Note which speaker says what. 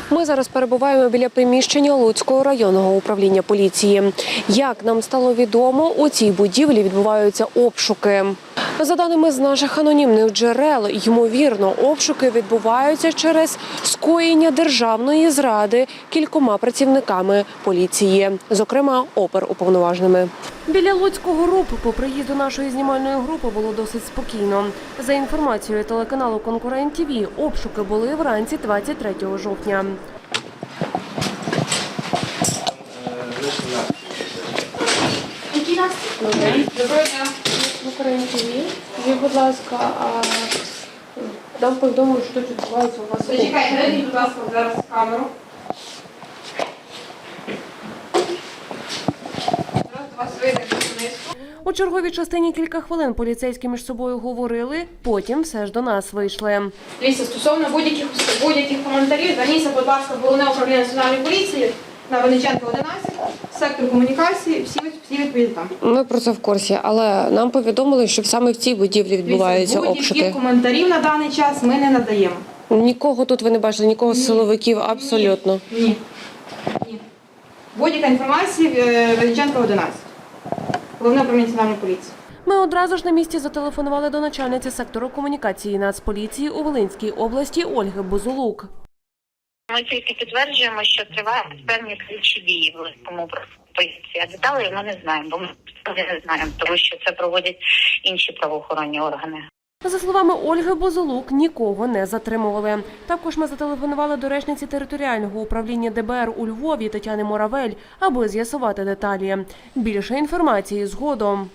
Speaker 1: Ми зараз перебуваємо біля приміщення Луцького районного управління поліції. Як нам стало відомо, у цій будівлі відбуваються обшуки. За даними з наших анонімних джерел, ймовірно, обшуки відбуваються через скоєння державної зради кількома працівниками поліції, зокрема оперуповноваженими. Біля Луцького РУП по приїзду нашої знімальної групи було досить спокійно. За інформацією телеканалу «Конкурент ТВ», обшуки були вранці 23 жовтня.
Speaker 2: Доброго дня.
Speaker 1: «Конкурент ТВ». Скажіть, будь ласка, нам повідомили, що тут відбувається у вас.
Speaker 2: Зачекайте, дайте, будь ласка, зараз камеру. Зараз до вас вийде журналістку.
Speaker 1: У черговій частині кілька хвилин поліцейські між собою говорили, потім все ж до нас вийшли.
Speaker 2: Дивіться, стосовно будь-яких коментарів, зверніться, будь ласка, в Головне управління Національної поліції на Винниченка, 11, сектор комунікації, всі відповіді там.
Speaker 1: Ми про це в курсі, але нам повідомили, що саме в цій будівлі відбуваються обшуки.
Speaker 2: Будь-яких коментарів на даний час ми не надаємо.
Speaker 1: Нікого тут ви не бачили, нікого з силовиків, абсолютно.
Speaker 2: Ні. Будь-яка інформація Винниченка, 11. Головне управління Національної поліції.
Speaker 1: Ми одразу ж на місці зателефонували до начальниці сектору комунікації Нацполіції у Волинській області Ольги Бузулук.
Speaker 3: Ми тільки підтверджуємо, що тривають певні слідчі дії в Луцькому поліції. А деталей ми не знаємо, бо ми не знаємо, тому що це проводять інші правоохоронні органи.
Speaker 1: За словами Ольги Бузулук, нікого не затримували. Також ми зателефонували до речниці територіального управління ДБР у Львові Тетяни Моравель, аби з'ясувати деталі. Більше інформації згодом.